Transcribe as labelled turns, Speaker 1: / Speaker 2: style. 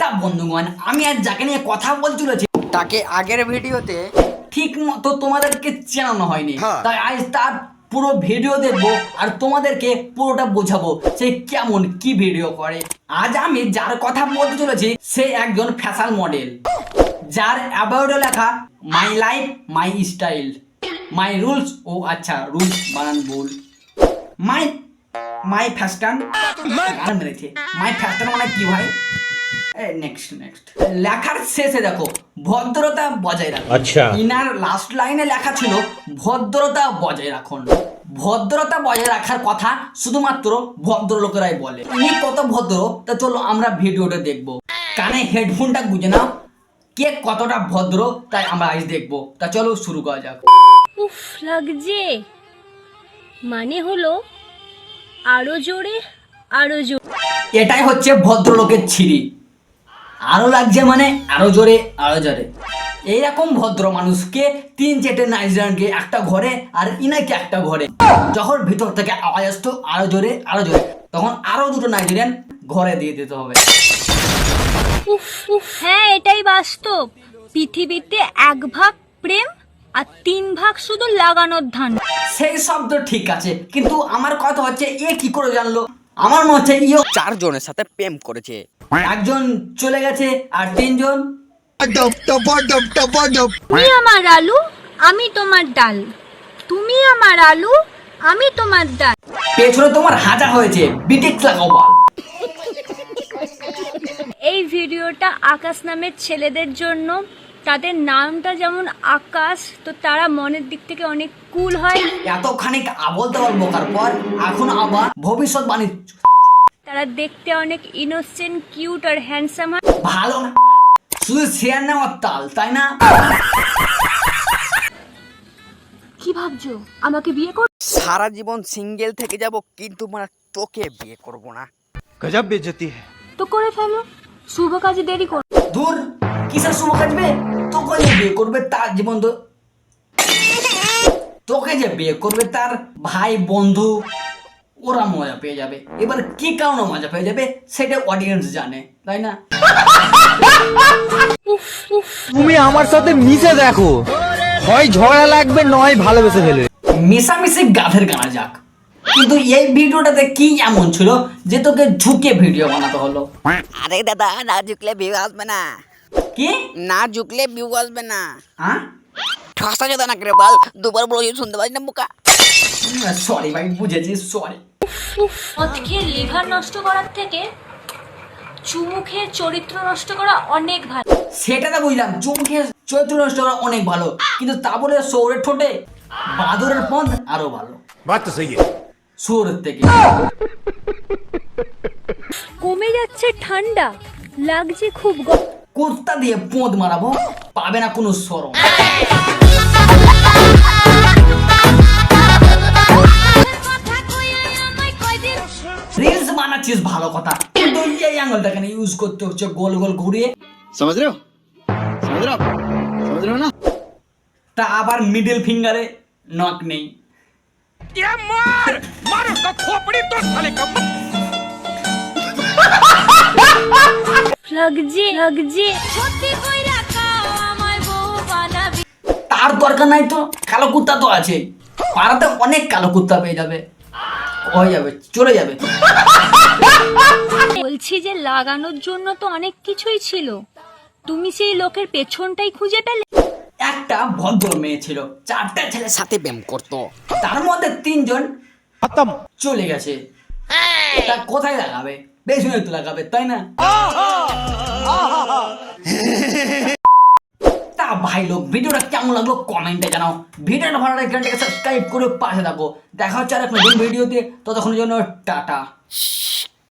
Speaker 1: তা বন্ধুগণ, আমি আজ যাকে নিয়ে কথা বলতে চলেছি
Speaker 2: তাকে আগের ভিডিওতে
Speaker 1: ঠিক মতো তোমাদেরকে চেনানো হয়নি, তাই আজ তার পুরো ভিডিও দেখবো আর তোমাদেরকে পুরোটা বোঝাবো সে কেমন কি ভিডিও করে। আজ আমি যার কথা বলতে চলেছি সে একজন ফ্যাশন মডেল, যার অ্যাবাউটে লেখা my life my style my rules. ও আচ্ছা, রুলস বানান ভুল। মাই ফ্যাশন গান মেরেছে। মাই ফ্যাশন মানে কি ভাই? নেক্সট লেখার শেষে দেখো ভদ্রতা বজায় রাখুন।
Speaker 3: আচ্ছা,
Speaker 1: ইনার লাস্ট লাইনে লেখা ছিল ভদ্রতা বজায় রাখুন। ভদ্রতা বজায় রাখার কথা শুধুমাত্র ভদ্রলোকেরাই বলে। ইনি কত ভদ্র তা চলো আমরা ভিডিওটা দেখবো। কানে হেডফোনটা গুঁজে নাও, কে কতটা ভদ্র তাই আমরা আজ দেখবো। তা চলো শুরু করা যাক।
Speaker 4: উফ লাগছে, মানে হলো আরো জোরে আরো জোরে।
Speaker 1: এটাই হচ্ছে ভদ্রলোকের ছিরি। আরো লাগছে মানে আরো জোরে আরো জোরে। এইরকম ভদ্র মানুষকে 3-4টে নাইজেরিয়ানকে একটা ঘরে আর ইনাকে একটা ঘরে, যখন ভিতর থেকে আওয়াজ আসতো আরো জোরে আরো জোরে, তখন আরো 2টো নাইজেরিয়ান ঘরে দিয়ে দিতে হবে।
Speaker 4: উফ উফ, হ্যাঁ এটাই বাস্তব। পৃথিবীতে 1 ভাগ প্রেম আর 3 ভাগ শুধু লাগানোর ধান।
Speaker 1: সেই শব্দ ঠিক আছে, কিন্তু আমার কথা হচ্ছে এ কি করে জানলো? আমার মনে হচ্ছে ইও
Speaker 2: 4 জনের সাথে প্রেম করেছে।
Speaker 1: একজন চলে গেছে আর 3 জন।
Speaker 4: তুমি আমার আলু আমি তোমার ডাল, তুমি আমার আলু আমি তোমার ডাল।
Speaker 1: পেছনে তোমার হাজা হয়েছে, বিটেক্স লাগাও বাল।
Speaker 4: এই ভিডিওটা আকাশ নামের ছেলেদের জন্য। তাদের নামটা যেমন আকাশ, তো তারা মনের দিক থেকে অনেক কুল হয়।
Speaker 1: এতখানি আবল তাবল বকার পর এখন আবার ভবিষ্যৎবাণী।
Speaker 4: তারা দেখতে অনেক ইনোসেন্ট, কিউট আর হ্যান্ডসাম হয়।
Speaker 1: ভালো না, শুধু শেয়ার নেওয়ার তাল, তাই না?
Speaker 4: কি ভাবছো আমাকে বিয়ে কর?
Speaker 2: সারা জীবন সিঙ্গেল থেকে যাব, কিন্তু মানে তোকে বিয়ে করব না।
Speaker 3: गजब बेइज्जती है।
Speaker 4: তো করে ফেলো, শুভ কাজে দেরি কর।
Speaker 1: দূর, কিসের শুভ কাজবে? তোকে যে বিয়ে করবে তার জীবন তো, তোকে যে বিয়ে করবে তার ভাই বন্ধু ওরা মজা পেয়ে যাবে। এবার কি কারণে মজা পেয়ে যাবে সেটা অডিয়েন্স জানে, তাই না?
Speaker 5: তুমি আমার সাথে মিশে দেখো, হয় ঝগড়া লাগবে নয় ভালোবেসে ফেলবে।
Speaker 1: মিশামিশি গাধের গানা যাক, কিন্তু এই ভিডিওটাতে কি এমন ছিল যে তোকে ঝুঁকে ভিডিও বানাতে হলো?
Speaker 2: আরে দাদা, না ঝুকলে ভিউ আসবে না।
Speaker 1: কি
Speaker 2: না ঝুকলে ভিউ আসবে না।
Speaker 1: হ্যাঁ?
Speaker 2: ঠসা যদি না করে বল, দুবার বলো শুনতে পারি না বোকা।
Speaker 1: সরি ভাই, বুঝেছি, সরি।
Speaker 4: মদ খেয়ে লিভার নষ্ট করার থেকে চুমু খেয়ে চরিত্র নষ্ট করা অনেক ভালো।
Speaker 1: সেটা তো বুঝলাম, চুমকে চৈত্র নষ্ট করা অনেক ভালো, কিন্তু তা বলে সৌরের ঠোঁটে বাদরের পথ আরো ভালো।
Speaker 3: बात तो सही है।
Speaker 1: সৌরের থেকে
Speaker 4: কমে যাচ্ছে ঠান্ডা, লাগছে খুব
Speaker 1: কুর্তা দিয়ে পোঁদ মারাবো, পাবে না কোনো সরম। রিলস বানাচ্ছিস ভালো কথা, কিন্তু এই আঙুলটা কেন ইউজ করতে হচ্ছে গোল গোল ঘুরিয়ে?
Speaker 5: समझ रहे हो ना?
Speaker 1: তা আবার মিডল ফিঙ্গারে নখ নেই।
Speaker 4: লাগছে
Speaker 1: তার দরকার নাই তো, কালো কুত্তা তো আছে পাড়াতে, অনেক কালো কুত্তা পেয়ে যাবে, হয়ে যাবে, চলে যাবে।
Speaker 4: বলছি যে লাগানোর জন্য তো অনেক কিছুই ছিল, তুমি সেই লোকের পেছনটাই খুঁজে পেলে।
Speaker 1: একটা ভদ্র মেয়ে ছিল, 4টে ছেলের সাথে,
Speaker 2: সাথে প্রেম করতো।
Speaker 1: তার মধ্যে 3 জন
Speaker 5: खत्म।
Speaker 1: চলে গেছে। তা কোথায় লাগাবে? পেছনে তো লাগাবে, তাই না? তা ভাই লোক, ভিডিওটা কেমন লাগলো কমেন্টে জানাও। ভিডিওটা ভালো লাগলে চ্যানেলটাকে সাবস্ক্রাইব করে পাশে থাকো। দেখা হচ্ছে আর এক নতুন ভিডিওতে, ততক্ষণের জন্য টাটা।